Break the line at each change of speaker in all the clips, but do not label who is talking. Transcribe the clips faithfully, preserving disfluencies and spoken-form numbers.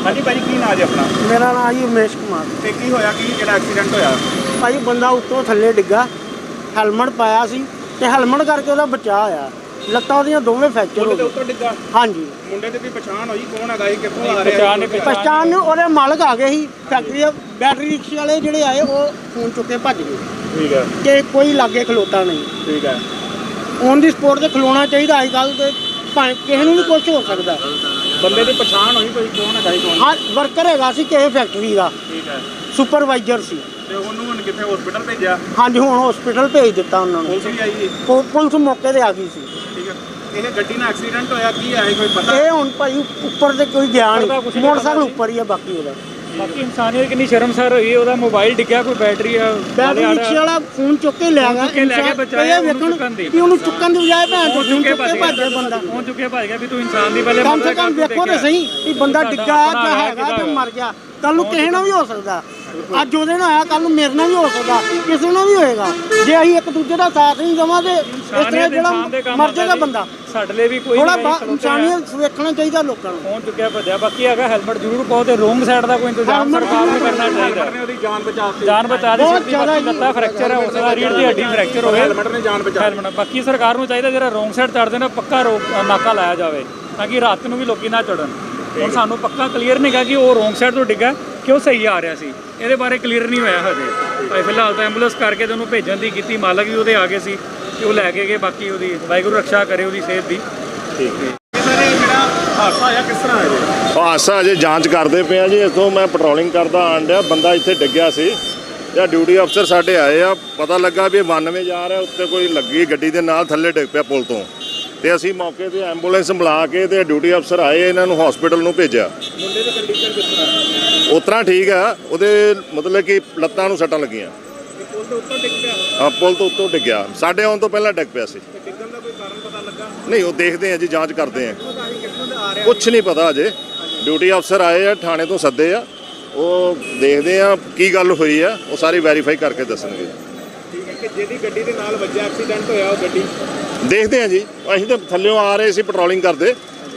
हाँ जी भाई की नाम है अपना?
मेरा नाम जी उमेश कुमार।
ਤੇ ਕੀ ਹੋਇਆ ਕੀ ਜਿਹੜਾ ਐਕਸੀਡੈਂਟ ਹੋਇਆ?
ਭਾਈ ਬੰਦਾ ਉੱਤੋਂ ਥੱਲੇ ਡਿੱਗਾ, ਹੈਲਮਟ ਪਾਇਆ ਸੀ ਤੇ ਹੈਲਮਟ ਕਰਕੇ ਉਹਦਾ ਬਚਾਅ ਹੋਇਆ। ਲੱਤਾਂ ਉਹਦੀਆਂ ਦੋਵੇਂ ਫ੍ਰੈਕਚਰ ਹੋ
ਮੁੰਡੇ ਦੇ
ਗਏ।
ਉੱਤੋਂ ਡਿੱਗਾ?
ਹਾਂਜੀ।
ਮੁੰਡੇ ਦੀ ਵੀ ਪਛਾਣ ਹੋਈ ਕੌਣ ਹੈਗਾ ਇਹ ਕਿੱਥੋਂ ਆ ਰਿਹਾ?
ਪਛਾਣ ਨੂੰ ਉਹਦੇ ਮਾਲਕ ਆ ਗਏ ਸੀ ਫੈਕਟਰੀ ਦੇ। ਬੈਟਰੀ ਰਿਕਸ਼ੇ ਵਾਲੇ ਜਿਹੜੇ ਆਏ ਉਹ ਫੋਨ ਚੁੱਕ ਕੇ ਭੱਜ ਗਏ।
ਠੀਕ ਹੈ।
ਕਿ ਕੋਈ ਲਾਗੇ ਖਲੋਤਾ ਨਹੀਂ।
ਠੀਕ ਹੈ।
ਔਨ ਦੀ ਸਪੋਰਟ ਤੇ ਖਲੋਣਾ ਚਾਹੀਦਾ ਅੱਜ ਕੱਲ੍ਹ ਤੇ ਭਾਵੇਂ ਕਿਸੇ ਨੂੰ ਵੀ ਕੁਝ ਹੋ ਸਕਦਾ।
ਬੰਦੇ ਦੀ ਪਛਾਣ ਹੋਈ ਕੋਈ ਕੌਣ ਹੈਗਾ ਕੌਣ?
ਹਾਂ ਵਰਕਰ ਹੈਗਾ ਸੀ ਕਿਸੇ ਫੈਕਟਰੀ ਦਾ।
ਠੀਕ ਹੈ।
ਸੁਪਰਵਾਈਜ਼ਰ ਸੀ।
ਤੇ ਉਹਨੂੰ ਹੁਣ ਕਿੱਥੇ ਹਸਪੀਟਲ ਭੇਜਿਆ?
ਹਾਂਜੀ ਹੁਣ ਹਸਪੀਟਲ ਭੇਜ ਦਿੱਤਾ ਉਹਨਾਂ ਨੂੰ।
ਪੁਲਿਸ ਵੀ ਆਈ ਹੈ?
ਪੁ- ਪੁਲਿਸ ਮੌਕੇ ਤੇ ਆ ਗਈ ਸੀ।
ਠੀਕ ਹੈ। ਇਹ ਗੱਡੀ ਨਾਲ ਐਕਸੀਡੈਂਟ ਹੋਇਆ ਕੀ ਹੈ ਕੋਈ ਪਤਾ?
ਇਹ ਹੁਣ ਭਾਈ ਉੱਪਰ ਤੇ ਕੋਈ ਗਿਆ ਨਹੀਂ, ਮੋਟਰਸਾਈਕਲ ਉੱਪਰ ਹੀ ਆ ਬਾਕੀ ਉਹਦਾ।
ਬਾਕੀ ਇਨਸਾਨੀਅਤ ਕਿੰਨੀ ਸ਼ਰਮਸਾਰ ਹੋਈ। ਉਹਦਾ ਮੋਬਾਈਲ ਡਿੱਗਿਆ, ਕੋਈ ਬੈਟਰੀ ਆ
ਬੈਟਰੀ ਰਿਕਸ਼ੇ ਵਾਲਾ ਫੋਨ ਚੁੱਕ ਕੇ ਲੈ ਗਿਆ।
ਚੁੱਕ ਕੇ ਲੈ ਗਿਆ, ਬਚਾਇਆ ਉਹਨੂੰ ਚੁੱਕਣ ਦੀ।
ਕਿ ਉਹਨੂੰ ਚੁੱਕਣ ਦੀ ਬਜਾਏ ਭੈਣ ਚੋਦ
ਚੁੱਕ ਕੇ
ਚੁੱਕ ਕੇ ਭੱਜ ਗਿਆ ਬੰਦਾ।
ਪਹੁੰਚ ਚੁੱਕਿਆ ਭੱਜ ਗਿਆ ਵੀ ਤੂੰ ਇਨਸਾਨ ਦੀ ਪਹਿਲੇ
ਕਮ ਸੇ ਕਮ ਵੇਖੋ ਤੇ ਸਹੀ ਕਿ ਬੰਦਾ ਡਿੱਗਾ ਜਾਂ ਹੈਗਾ ਜਾਂ ਮਰ ਗਿਆ। ਕੱਲ ਨੂੰ ਕਿਸੇ ਨਾਲ ਵੀ ਹੋ ਸਕਦਾ। ਅੱਜ ਉਹਦੇ ਨਾਲ ਆਇਆ, ਕੱਲ ਨੂੰ ਮੇਰੇ ਨਾਲ ਵੀ ਹੋ ਸਕਦਾ, ਕਿਸੇ ਨਾਲ ਵੀ ਹੋਏਗਾ। ਜੇ ਅਸੀਂ ਇੱਕ ਦੂਜੇ ਦਾ ਸਾਥ ਨਹੀਂ ਦੇਵਾਂਗੇ ਇਸ ਤਰ੍ਹਾਂ ਜਿਹੜਾ ਮਰ ਜਾਏਗਾ ਬੰਦਾ।
ਸਾਡੇ ਲਈ ਵੀ ਕੋਈ
ਥੋੜਾ ਇਨਸਾਨੀਅਤ ਵੇਖਣਾ ਚਾਹੀਦਾ ਲੋਕਾਂ ਨੂੰ।
ਪਹੁੰਚ ਚੁੱਕਿਆ ਭੱਜਿਆ। ਬਾਕੀ ਹੈਗਾ ਹੈਲਮਟ ਜ਼ਰੂਰ ਪਾਓ ਤੇ ਰੋਂਗ ਸਾਈਡ ਦਾ ਕੋਈ ਇੰਤਜ਼ਾਮ ਸਰਕਾਰ ਨੂੰ ਕਰਨਾ ਚਾਹੀਦਾ।
ਹੈਲਮਟ ਨੇ ਉਹਦੀ ਜਾਨ ਬਚਾਤੀ।
ਜਾਨ ਬਚਾ ਦਿੱਤੀ। ਬਾਕੀ ਲੱਤਾਂ ਫ੍ਰੈਕਚਰ ਹੈ, ਉਸ ਦਾ ਰੀੜ ਦੀ ਹੱਡੀ ਫ੍ਰੈਕਚਰ ਹੋਵੇ।
ਹੈਲਮਟ ਨੇ ਜਾਨ ਬਚਾ
ਹੈਲਮਟ ਬਾਕੀ ਸਰਕਾਰ ਨੂੰ ਚਾਹੀਦਾ ਜਿਹੜਾ ਰੋਂਗ ਸਾਈਡ ਚੜਦੇ ਨੇ ਪੱਕਾ ਰੋਕ ਨਾਕਾ ਲਾਇਆ ਜਾਵੇ ਤਾਂ ਕਿ ਰਾਤ ਨੂੰ ਵੀ ਲੋਕੀ ਨਾ ਚੜਨ। ਹੁਣ ਸਾਨੂੰ ਪੱਕਾ ਕਲੀਅਰ ਨਹੀਂ ਗਾ ਕਿ ਉਹ ਰੋਂਗ ਸਾਈਡ ਤੋਂ ਡਿੱਗਾ ਕਿ ਉਹ ਸਹੀ ਆ ਰਿਹਾ ਸੀ। ਇਹਦੇ ਬਾਰੇ ਕਲੀਅਰ ਨਹੀਂ ਹੋਇਆ ਹਜੇ। ਭਾਈ ਫਿਲਹਾਲ ਤਾਂ ਐਂਬੂਲੈਂਸ ਕਰਕੇ ਤੇ ਉਹਨੂੰ ਭੇਜਣ ਦੀ ਕੀਤੀ। ਮਾਲਕ ਵੀ ਉਹਦੇ ਆ ਗਏ ਸੀ ਤੇ ਉਹ ਲੈ ਕੇ ਗਏ। ਬਾਕੀ ਉਹਦੀ ਵਾਹਿਗੁਰੂ ਰੱਖਿਆ ਕਰੇ ਉਹਦੀ ਸਿਹਤ ਦੀ।
ਠੀਕ ਹੈ। ਸਰ ਇਹ ਜਿਹੜਾ ਹਾਦਸਾ ਹੋਇਆ ਕਿਸ ਤਰ੍ਹਾਂ ਹੋਇਆ?
ਹਾਦਸਾ ਅਜੇ ਜਾਂਚ ਕਰਦੇ ਪਏ ਆ ਜੀ। ਇੱਥੋਂ ਮੈਂ ਪੈਟਰੋਲਿੰਗ ਕਰਦਾ ਆਣ ਡਿਆ, ਬੰਦਾ ਇੱਥੇ ਡਿੱਗਿਆ ਸੀ ਜਾਂ ਡਿਊਟੀ ਅਫਸਰ ਸਾਡੇ ਆਏ ਆ। ਪਤਾ ਲੱਗਾ ਵੀ ਬਾਨਵੇਂ ਜਾ ਰਿਹਾ, ਉੱਤੇ ਕੋਈ ਲੱਗੀ ਗੱਡੀ ਦੇ ਨਾਲ ਥੱਲੇ ਡਿੱਗ ਪਿਆ ਪੁਲ ਤੋਂ। ਤੇ ਅਸੀਂ ਮੌਕੇ ਤੇ ਐਂਬੂਲੈਂਸ ਬੁਲਾ ਕੇ ਤੇ ਡਿਊਟੀ ਅਫਸਰ ਆਏ, ਇਹਨਾਂ ਨੂੰ ਹਸਪੀਟਲ ਨੂੰ ਭੇਜਿਆ।
ਮੁੰਡੇ ਦੀ ਕੰਡੀਸ਼ਨ ਕਿਸ ਤਰ੍ਹਾਂ?
ਉਸ ਤਰ੍ਹਾਂ ਠੀਕ ਆ, ਉਹਦੇ ਮਤਲਬ ਕਿ ਲੱਤਾਂ ਨੂੰ ਸੱਟਾਂ ਲੱਗੀਆਂ।
ਪੁਲ ਦੇ ਉੱਤੋਂ ਡਿੱਗ ਪਿਆ?
ਆ ਪੁਲ ਤੋਂ ਉੱਤੋਂ ਡਿੱਗਿਆ, ਸਾਡੇ ਆਉਣ ਤੋਂ ਪਹਿਲਾਂ ਡਿੱਗ ਪਿਆ ਸੀ।
ਤੇ ਡਿੱਗਣ ਦਾ ਕੋਈ ਕਾਰਨ ਪਤਾ ਲੱਗਾ?
ਨਹੀਂ ਉਹ ਦੇਖਦੇ ਆ ਜੀ, ਜਾਂਚ ਕਰਦੇ ਆ।
ਕਿੱਥੋਂ ਦਾ ਆ ਰਿਹਾ?
ਕੁਛ ਨਹੀਂ ਪਤਾ ਅਜੇ। ਡਿਊਟੀ ਅਫਸਰ ਆਏ ਆ, ਥਾਣੇ ਤੋਂ ਸੱਦੇ ਆ, ਉਹ ਦੇਖਦੇ ਆ ਕੀ ਗੱਲ ਹੋਈ ਆ, ਉਹ ਸਾਰੀ ਵੈਰੀਫਾਈ ਕਰਕੇ ਦੱਸਣਗੇ।
ਠੀਕ ਹੈ। ਕਿ ਜਿਹਦੀ ਗੱਡੀ ਦੇ ਨਾਲ ਵੱਜਿਆ ਐਕਸੀਡੈਂਟ ਹੋਇਆ ਉਹ ਗੱਡੀ
ਦੇਖਦੇ ਆ ਜੀ। ਅਸੀਂ ਤਾਂ ਥੱਲਿਓਂ ਆ ਰਹੇ ਸੀ ਪੈਟਰੋਲਿੰਗ ਕਰਦੇ,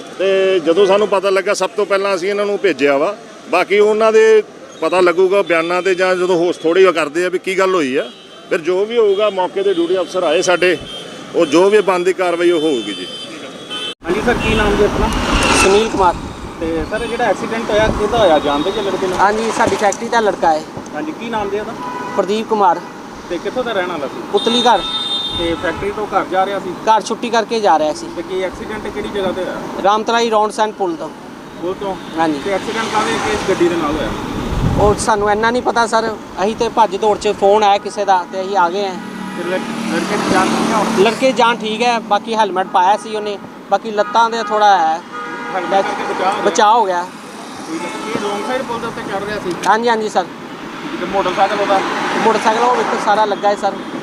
ਤੇ ਜਦੋਂ ਸਾਨੂੰ ਪਤਾ ਲੱਗਾ ਸਭ ਤੋਂ ਪਹਿਲਾਂ ਅਸੀਂ ਇਹਨਾਂ ਨੂੰ ਭੇਜਿਆ ਵਾ। ਬਾਕੀ ਉਹਨਾਂ ਦੇ ਪਤਾ ਲੱਗੂਗਾ ਬਿਆਨਾਂ ਤੇ, ਜਾਂ ਜਦੋਂ ਹੋਸ਼ ਥੋੜੀ ਕਰਦੇ ਆ ਵੀ ਕੀ ਗੱਲ ਹੋਈ ਆ, ਫਿਰ ਜੋ ਵੀ ਹੋਊਗਾ ਮੌਕੇ ਤੇ ਡਿਊਟੀ ਅਫਸਰ ਆਏ ਸਾਡੇ, ਉਹ ਜੋ ਵੀ ਬਣਦੀ ਕਾਰਵਾਈ ਉਹ ਹੋਊਗੀ ਜੀ।
ਹਾਂਜੀ ਸਰ ਕੀ ਨਾਮ ਜੀ ਆਪਣਾ?
ਸੁਨੀਲ ਕੁਮਾਰ।
ਤੇ ਸਰ ਜਿਹੜਾ ਐਕਸੀਡੈਂਟ ਹੋਇਆ ਕਿਹਦਾ ਹੋਇਆ, ਜਾਣਦੇ ਜੇ ਲੜਕੇ ਨੂੰ?
ਹਾਂਜੀ ਸਾਡੀ ਫੈਕਟਰੀ ਦਾ ਲੜਕਾ ਹੈ
ਹਾਂਜੀ ਕੀ ਨਾਮ ਜੀ ਉਹਦਾ?
ਪ੍ਰਦੀਪ ਕੁਮਾਰ।
ਤੇ ਕਿੱਥੋਂ ਦਾ ਰਹਿਣ ਵਾਲਾ ਸੀ?
ਪੁਤਲੀ ਘਰ।
ਤੇ ਫੈਕਟਰੀ ਤੋਂ ਘਰ ਜਾ ਰਿਹਾ ਸੀ?
ਘਰ ਛੁੱਟੀ ਕਰਕੇ ਜਾ ਰਿਹਾ ਸੀ।
ਤੇ ਕੀ ਐਕਸੀਡੈਂਟ ਕਿਹੜੀ ਜਗ੍ਹਾ ਤੇ ਹੋਇਆ?
ਰਾਮਤਲਾਈ ਰੌਂਡ ਸੈਂਡ ਪੁਲ ਤੋਂ।
ਉਹ ਤੋਂ?
ਹਾਂਜੀ।
ਤੇ ਐਕਸੀਡੈਂਟ ਕਾਹਦੇ ਕਿਸ ਗੱਡੀ ਦੇ ਨਾਲ ਹੋਇਆ?
ਉਹ ਸਾਨੂੰ ਇੰਨਾ ਨਹੀਂ ਪਤਾ ਸਰ। ਅਸੀਂ ਤੇ ਭੱਜ ਦੌੜ 'ਚ ਫੋਨ ਆਇਆ ਕਿਸੇ ਦਾ ਤੇ ਅਸੀਂ ਆ ਗਏ ਹਾਂ।
ਤੇ ਲੜ- ਲੜਕੇ ਦੀ ਜਾਨ ਕਿੱਥੇ ਹੋਣੀ?
ਲੜਕੇ ਜਾਨ ਠੀਕ ਹੈ, ਬਾਕੀ ਹੈਲਮਟ ਪਾਇਆ ਸੀ ਉਹਨੇ, ਬਾਕੀ ਲੱਤਾਂ ਦੇ ਥੋੜਾ ਹੈ
ਹੈਲਮਟ ਕਰਕੇ ਬਚਾਅ ਹੋ ਗਿਆ?
ਬਚਾਅ ਹੋ ਗਿਆ।
ਠੀਕ ਹੈ। ਇਹ ਰੋਂਗ ਸਾਈਡ ਪੁਲ ਦੇ ਉੱਤੇ ਚੜ ਰਿਹਾ ਸੀ?
ਹਾਂਜੀ ਹਾਂਜੀ ਸਰ।
ਤੇ ਮੋਟਰਸਾਈਕਲ ਉਹਦਾ?
ਮੋਟਰਸਾਈਕਲ ਉਹ ਵੇਖੋ ਸਾਰਾ ਲੱਗਾ ਹੈ ਸਰ।